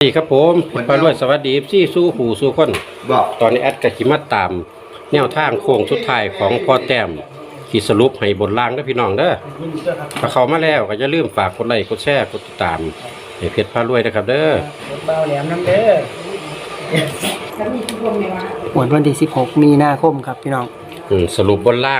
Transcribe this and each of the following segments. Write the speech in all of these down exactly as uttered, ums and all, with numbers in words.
ดีครับผมพระรวยสวัสดีซี่สู้หูสู้คนบอกตอนนี้แอดกะจิมาตามแนวทางโค้งสุดท้ายของพ่อแต้มขีดสรุปให้บนล่างนะพี่น้องเด้อถ้าเข้ามาแล้วก็อย่าลืมฝากกดไลค์กดแชร์กดติดตามให้เพจพระรวยนะครับเด้อเบาแหลมน้ำเด้อวันวันที่สิบหกมีนาคมครับพี่น้องสรุปบนล่าง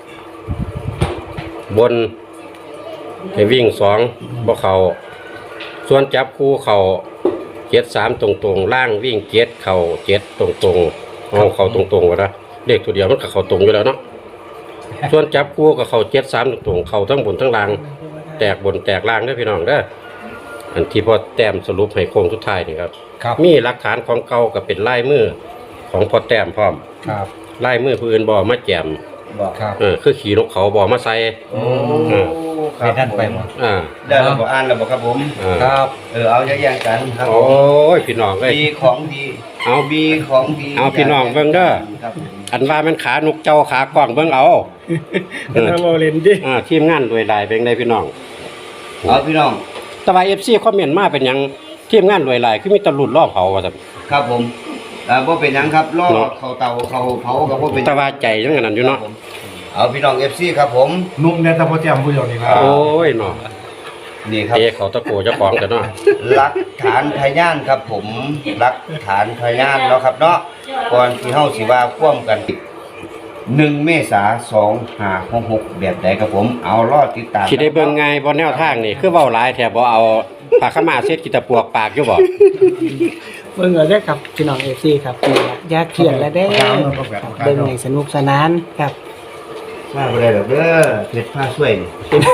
บนให้วิ่งสองบ่เขาส่วนจับคู่เขาเจ็ดสามตรงๆล่างวิ่งเจ็ดเข่าเจ็ดตรงๆเอาเข่าตรงๆวะนะเลขตัวเดียวมันกับเข่าตรงอยู่แล้วเนาะส่วนจับคู่กับเข่าเจ็ดสามตรงๆเข่าทั้งบนทั้งล่างแตกบนแตกล่างได้พี่น้องเด้ออันที่พอแต้มสรุปให้โค้งสุดท้ายนี่ครับมีหลักฐานของเก่ากับเป็นลายมือของพอแต้มพร้อมลายมือผู้อื่นบ่มาแจมเออคือขี่นกเขาบ่มาใส่ไปท่านไปหมดอ่าได้เราบอกอ่านเราบอกครับผมครับเออเอาแยกๆกันครับโอ้ยพี่น้องเลยมีของดีเอามีของดีเอาพี่น้องเบิ่งเด้ออันว่ามันขานกเจ้าขากว้างเบิ่งเอาเออเอาเล่นดิอ่าทีมงานรวยหลายเป็นไดพี่น้องเอาพี่น้องแต่ว่า เอฟ ซี คอมเมนต์มาเป็นหยังทีมงานรวยหลายคือมีตะลุดรอบเผาว่าซั่นครับผมอ่าบ่เป็นหยังครับรอเขาเตาเขาเผาก็บ่เป็นแต่ว่าใจจังนั้นอยู่เนาะเอาพี่น้อง เอฟ ซี ครับผมนุ่มเนี่ยตะโพแจ่มผู้เดียวนี่ครับโอ้ยเนาะนี่ครับเอเขาตะโกเจ้าของกันเนาะหลักฐานพยานครับผมหลักฐานพยานเนาะครับเนาะก่อนที่เฮาสิว่าควมกันหนึ่งเมษายนสองห้าหกหกแบบใดครับผมเอารอติดตามสิได้เบิ่งง่ายบ่แนวทางนี่คือเว้าหลายแท้บ่เอาผ้าขม่าเช็ดกิตะปวกปากอยู่บ่เบิ่งเอาได้ครับพี่น้อง เอฟ ซี ครับอยากเขียนแล้วได้เบิ่งให้สนุกสนานครับมาบ่ได้ดอกเด้อเพชรผ้าช่วยนี่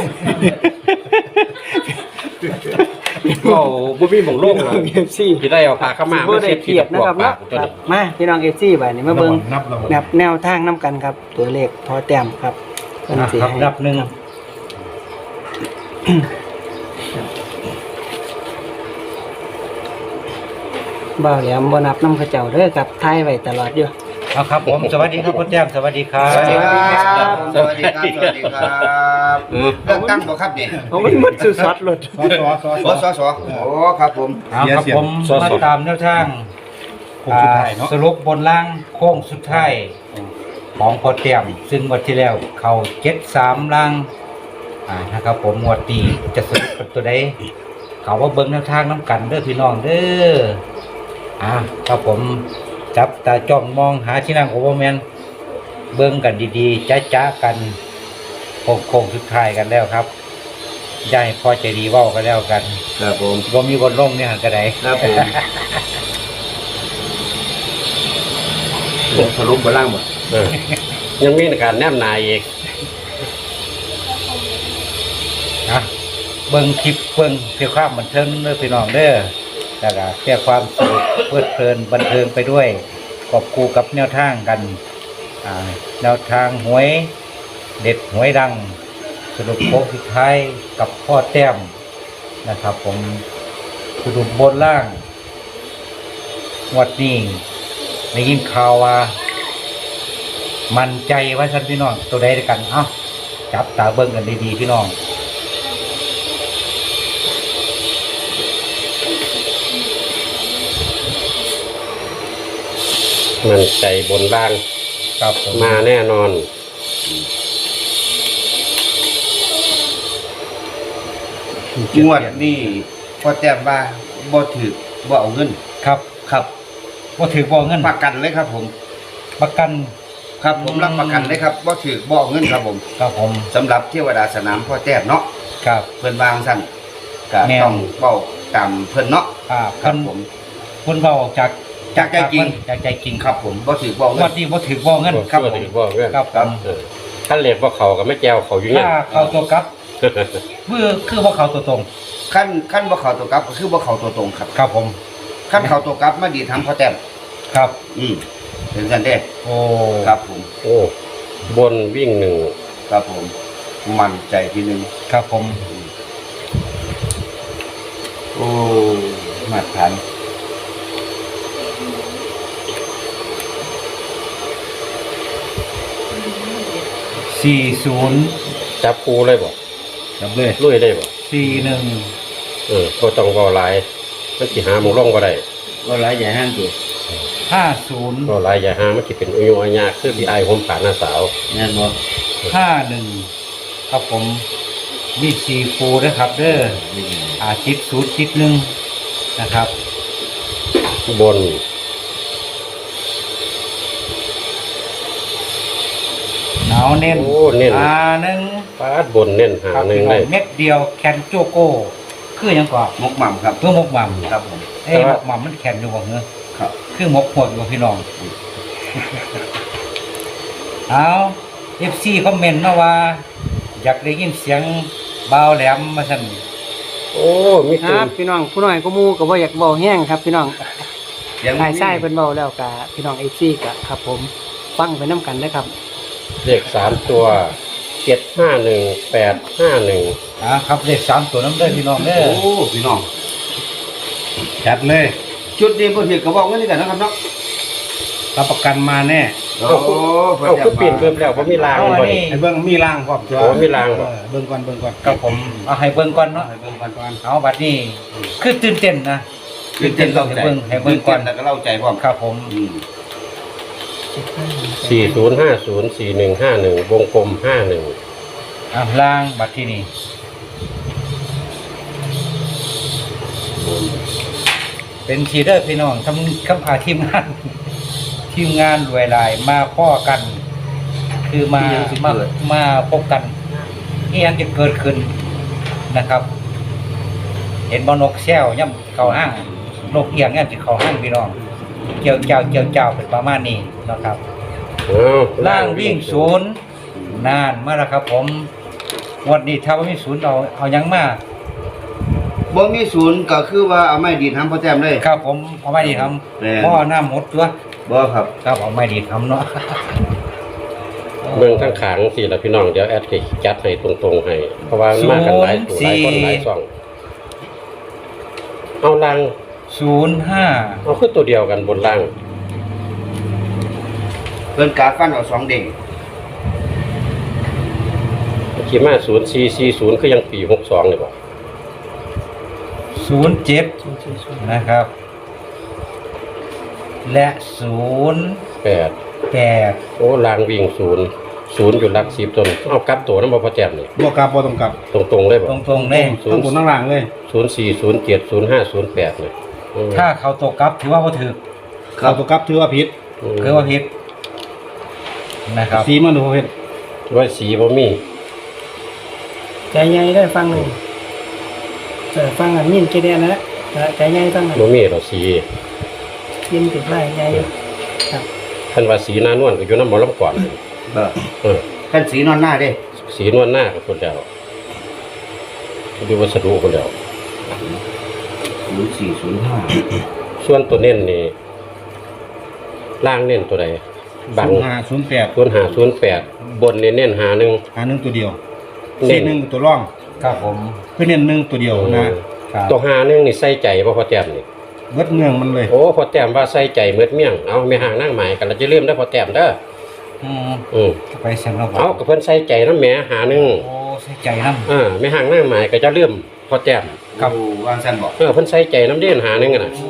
โอ้บ่มีหม่องโล่งหรอกเอฟ ซีสิได้เอาผ้าขม่ามาเช็ดกิตะปวกปากตัวนี้มาพี่น้อง เอฟ ซี บัดนี้มาเบิ่งนับแนวทางนํกันครับตัวเลขพอแต้มครับเพิ่นสิให้นับหนึ่งบ่าวแหลมบ่นับนำเขาเจ้าเด้อครับถ่ายไว้ตลอดอยู่เอาครับผมสวัสดีครับพ่อแต้มสวัสดีครับสวัสดีครับสวัสดีครับสวัสดีครับเลือกตั้งบ่ครับนี่โอ้มันหมดสุดสดหลุดสอสอสอสอโอ้ครับผมครับผมมาตามแนวทางสรุปบนล่างโค้งสุดท้ายของพอเตรียมซึ่งวันที่แล้วเขาเจ็ดสามล่างอ่านะครับผมงวดตีจะสรุปเป็นตัวใดเขาว่าเบิ้งแนวทางน้ำกันเด้อพี่น้องเด้ออ่าครับผมจับตาจ้องมองหาที่นั่งโอเวอร์แมนเบิ้งกันดีๆจ้าจ้ากันโค้งโค้งสุดท้ายกันแล้วครับย่ายพอใจดีว่ากันแล้วกันครับผมบ่มีบนล่มเนี่ยหันกระไดครับผมผมสรุปบนล่างหมดยังมีการแนมนายอีกนะเบิ่งคลิปเบิ่งเพื่อความบันเทิงเด้อพี่น้องเด้อแล้วก็เพื่อความสนุกเพลิดเพลินบันเทิงไปด้วยกอบคู่กับแนวทางกันอ่าแนวทางหวยเด็ดหวยดังสรุปโค้งสุดท้ายกับพ่อแต้มนะครับผมสรุปบนล่างวัดนี้ได้ยินข่าวว่ามั่นใจว่าท่านพี่น้องตัวใดด้วยกันเอ้าจับตาเบิ่งกันดีๆพี่น้องมั่นใจบนล่างครับมาแน่นอนงวดนี้พอแต้มว่าบ่ถือบ่เอาเงินครับครับบ่ถือบ่เงินประกันเลยครับผมประกันครับผมรับประกันเลยครับบ่ถือบ่เอาเงินครับผมครับผมสำหรับเทวดาสนามพ่อแต้มเนาะครับเพิ่นวางสั่นก็ต้องเว้าตามเพิ่นเนาะครับผมเพิ่นเว้าจากจากใจจริงจากใจจริงครับผมบ่ถือบ่เงินวันนี้บ่ถือบ่เงินครับผมครับครับท่านเรียกว่าเขาก็ไม่แก้วเขาอยู่เนี่ยเข้าตัวกับคือคือบ่เข้าตัวตรงขั้นขั้นบ่เข้าตัวกับก็คือบ่เข้าตัวตรงครับครับผมขั้นเข้าตัวกับมาดีทำพ่อแต้มครับอืมถึงกันเด้โอ้ครับผมโอ้บนวิ่งหนึ่งครับผมมั่นใจทีนึงครับผมโอ้มาตรฐานสี่ศูนย์จับคูเลยบ่จับเลยลุยเลยบ่สี่หนึ่งเออก็ต้องเว้าหลายมันสิหาหมองลงบ่ได้ก็หลายใหญ่ห้างอยู่ห้าศูนย์ก็หลายอย่าหามันสิเป็นอายุอาญาคือพี่อายผมผ่านหน้าสาวแน่นบ่ห้าหนึ่งครับผมมีสี่ฟูนะครับเด้ออาทิตย์ศูนย์ทิศหนึ่งนะครับบนหนาวเน้นโอ้เน้นอ่าหนึ่งปาดบนเน้นหาครับหนึ่งพี่น้ได้องเม็ดเดียวแคนโจโก้คือหยังก่อนมกหม่ำครับเพื่อมกหม่ำครับผมเอ้ยมกหม่ำมันแคนอยู่บ่เหรอครับคือมกหดอยู่พี่น้องเอาเอฟซีคอมเมนต์มาว่า อยากได้ยินเสียงเบาแหลมมาสั่นโอ้มีคตึรับงพี่น้องผู้น้อยก็หมู่ก็บ่อยากเว้าแห้งครับพี่น้องยังทายไส้เพิ่นเว้าแล้วก็พี่น้อง เอฟ ซี ก็ครับผมฟังไปนํกันเด้อครับเลขสามตัวเจ็ดห้าหนึ่งแปดห้าหนึ่งอ่าครับเลขสามตัวน้ำเด้อพี่น้องเด้อโอ้พี่น้องจัดเลยจุดนี้บ่ถือก็บอกกันนี่กันนะครับเนาะรับประกันมาแน่โอ้เอาคือเปลี่ยนเพิ่มแล้วบ่มีรางเอาอันบ่นี้นี่ไอ้เบิ้งมีรางพร้อมจ้ะโอ้มีรางบ่เออเบิ้งก่อนเบิ้งก่อนกับผมเอาให้เบิ่งก่อนเนาะให้เบิ้งก่อนก่อนเอาบัดนี้คือตื่นเต้นนะตื่นเต้นเล่าใจให้เบิ่งให้เบิ่งก่อนแล้วก็เล่าใจพร้อมครับผมอืมสี่ศูนย์ห้าศูนย์สี่หนึ่งห้าหนึ่งวงกลมห้าหนึ่งอ่ะล่างบัดที่นี่เป็นชีเดอร์พี่น้องทำคำอาทีมงาน ทีมงานรวยลายมาพ่อกัน คือมามามาพบกันนี่ยังจะเกิดขึ้นนะครับ เห็นบอนกแซวย่ำเขาห้างนกเอียงย่ำจะเขาห้างพี่น้องเจียวเจ้าเจียวเจ้าเป็นประมาณนี้นะครับเอาล่างวิ่งศูนย์นานมาแล้วครับ ผมงวันนี้ถ้าว่ามีศูนย์เอาเอายังมาบ่มีศูนย์ก็คือว่าเอาไม้ดีดทำพ่อแต้มเลยครับผมเอาไม่ดีทแม่นำพ่อหน้าหมดตัวบ่ครับครับเอาไม่ดีทำเนาะเมืองข้างขางสิละพี่น้องเดี๋ยวแอดสิจัดให้ตรงๆให้เพราะว่ามันมากันหลายตัวหลายคนหลายช่องเอาล่างศูนย์ห้าเอาคือตัวเดียวกันบนล่างเพิ่นกาฟันเอาสองเด้งขี่มาศูนย์สี่สี่ศูนย์คือยังปีหกสองเลยบ่ศูนย์เจ็ดนะครับ และศูนย์แปดแปดโอ้ล่างวิ่งศูนย์ศูนย์อยู่หลักสิบต้นเอากลับตัวน้ำบ่พอแจ่มนี่บ่กลับบ่ต้องกลับตรงๆเลยบ่ตรงๆเลยศูต้อน งย์บนทั้งล่างเลยศูนย์สี่ศูนย์เจ็ดศูนย์ห้าศูนย์แปดเลยอืมถ้าเขาตกกลับถือว่าบ่ถือเข้าตัวกลับถือว่าผิดอืมคือว่าผิดนะครับสีมันดูเฮ็ดว่าสีบ่มีใจใหญ่ได้ฟังหนึ่งเออฟังอันมินเกเดียนนะใจใหญ่ฟังหน่อยบ่มีหรอกสียินติดไล่ใหญ่ครับท่านว่าสีหน้านวลก็อยู่น้ำหมอลำก่อนเด้อเออท่านสีนอนหน้าเด้สีนวลหน้าก็คนเดียวดูวัสดุคนเดียวศูนย์สี่ศูนย์ห้าส่วนตัวเน้นนี่ล่างเน้นตัวใดบังศูนย์ห้าศูนย์แปดศูนย์หาศูนย์แปดบนเน้นเน้นหาหนึ่งหาหนึ่งตัวเดียวเน้สี่นหนึ่งตัวร่องครับผมเพื่อเน้นหนึ่งตัวเดียวนะครับตัวหาหนึ่งนี่ใส่ใจบ่พอแต้มนี่เบิดเมืองมันเลยโอ้พอแต้มว่าใส่ใจเมือดเมี่ยงเอาไม่ห่างนั่งหมายกันเราจะเริ่มได้อพอแต้มเด้ออืมอืมไปเสียงเราเอากับเพิ่นใส่ใจน้ำแหม่หาหนึ่งโอ้ใส่ใจน้ำอ่าไม่ห่างนั่งหมายก็จะเริ่มพอแต้มครับโอ้วางซั่นบ่เออเพิ่นใส่ใจน้ำเด่นหาหนึ่งอะน่ะโอ้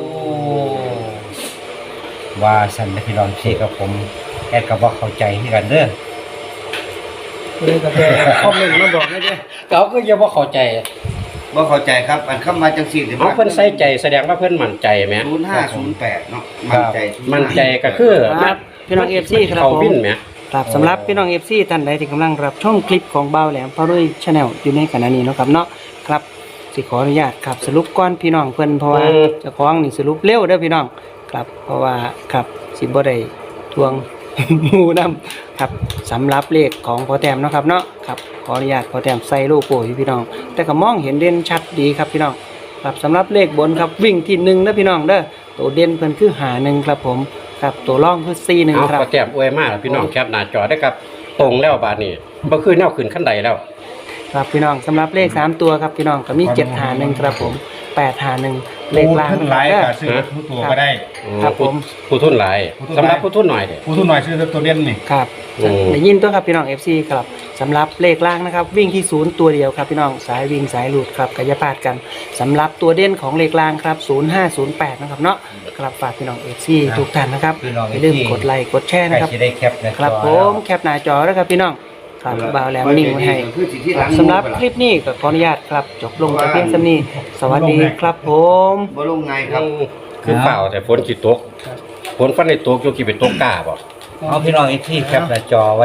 ว่าสันนะพี่น้องพี่กับผมแอดกับว่าเข้าใจที่กันเด้อเลยก็ไปคอมเมนต์มาบอกได้เด้อเขาก็ยังว่าเข้าใจบ่เข้าใจครับ อันคำมาจังซี่สิเอาเพิ่นใส่ใจแสดงว่าเพิ่นมั่นใจไหมศูนย์ห้าศูนย์แปดเนาะมั่นใจศูย์ห้ามั่นใจก็คือครับพี่น้อง เอฟ ซี ครับเขาผมวินไหมครับสำหรับพี่น้อง เอฟ ซี ท่านใดที่กำลังรับชมคลิปของเบาแหลมพาด้วยชาแนลอยู่ในขณะนี้เนาะครับเนาะครับสิขออนุญาตครับสรุปก่อนพี่น้องเพิ่นเพราะว่าเจ้าของนี่สรุปเร็วเด้อพี่น้องครับเพราะว่าครับสิบ่ได้ทวง หมู่นํครับสำหรับเลขของพอแต้มเนาะครับเนาะครับขออนุญาตพอแต้มใส่โลโก้ให้พี่น้อง แต่ก็มองเห็นเด่นชัดดีครับพี่น้องครับสำหรับเลขบนครับวิ่งที่หนึ่งเด้อพี่น้องเด้อตัวเด่นเพิ่นคือหาหนึ่งครับผมครับตัวร่องคือสี่หนึ่งเอาครับพอแต้มอวยมากพี่น้องแคปหน้าจอได้ครับ ตรงแล้วบาดนี้บ่คือแนวขึ้นขั้นใดแล้วครับพี่น้องสำหรับเลขสามตัวครับพี่น้องก็มีเจ็ดหาหนึ่งครับผมแปดห้าหนึ่งเลขผู้ล่างทุนนะหลายคก็รับซื้อทุกตัวก็ได้ครับผมผู้ทุนหลายผู้ทุนหลายสำหรับผู้ทุนหน่อยเด้ผู้ทุนหน่อยซื้อตัวเด่นนี่ครับอืมได้ยินตัวครับพี่น้อง เอฟ ซี ครับสำหรับเลขล่างนะครับวิ่งที่ศูนย์ตัวเดียวครับพี่น้องสายวิ่งสายหลุดครับกายาพาดกันสำหรับตัวเด่นของเลขล่างครับศูนย์ห้าศูนย์แปดนะครับเนาะครับฝากพี่น้อง เอฟ ซี ทุกท่านนะครับพี่น้องอย่าลืมเอฟซีกดไลค์กดแชร์ใครนะครับจะได้แคปหน้าจอครับผแล้วมแคปหน้าจอแล้วครับพี่น้องครับบ่าวแหลมนิ่งไว้ให้ครับสำหรับคลิปนี้ก็ขออนุญาตครับจบลงแต่เพียงเท่านี้สวัสดีครับผมบ่ลงไงครับคือเปล่าแต่ฝนสิตกฝนฟันในตกอยู่กี่เป็นตกกล้าบ่เอาพี่น้องที่แคปหน้าจอไว้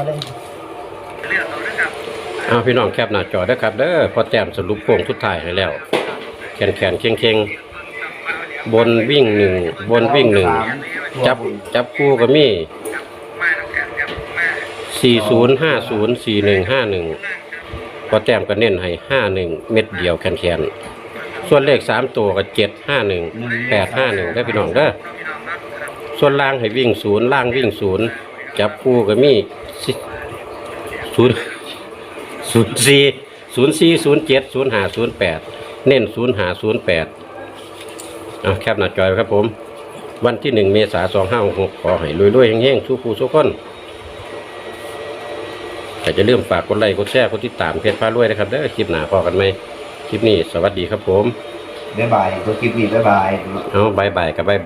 เอาพี่น้องแคปหน้าจอเด้อครับเด้อพอแต้มสรุปโค้งทุดท้ายให้แล้วแขนแขนเคียงเคียงบนวิ่งหนึ่งบนวิ่งหนึ่งจับจับคู่ก็มีสี่ศูนย์ห้าศูนย์สี่หนึ่งห้าหนึ่งพอแต้มก็เน้นให้ห้าหนึ่งเม็ดเดียวแขนแขนส่วนเลขสามตัวก็เจ็ดห้าหนึ่งแปดห้าหนึ่งได้พี่น้องเด้อส่วนล่างให้วิ่งศูนย์ล่างวิ่งศูนย์จับคู่ก็มีศูนย์ศูนย์สี่ศูนย์สี่ศูนย์เจ็ดศูนย์ห้าศูนย์แปดเน้นศูนย์ห้าศูนย์แปดเอาแคปหน้าจอยครับผม วันที่หนึ่งเมษายนสองห้าหกขอให้รวยๆเฮงๆสู้ผู้สู้คนแต่จะเริ่มฝากกดไลค์กดแชร์กดติดตามเพจพารวยนะครับเด้อคลิปหน้าพอกันไหมคลิปนี้สวัสดีครับผมบ๊ายบายตัวคลิปนี้บ๊ายบายเอาบายบายกับบาย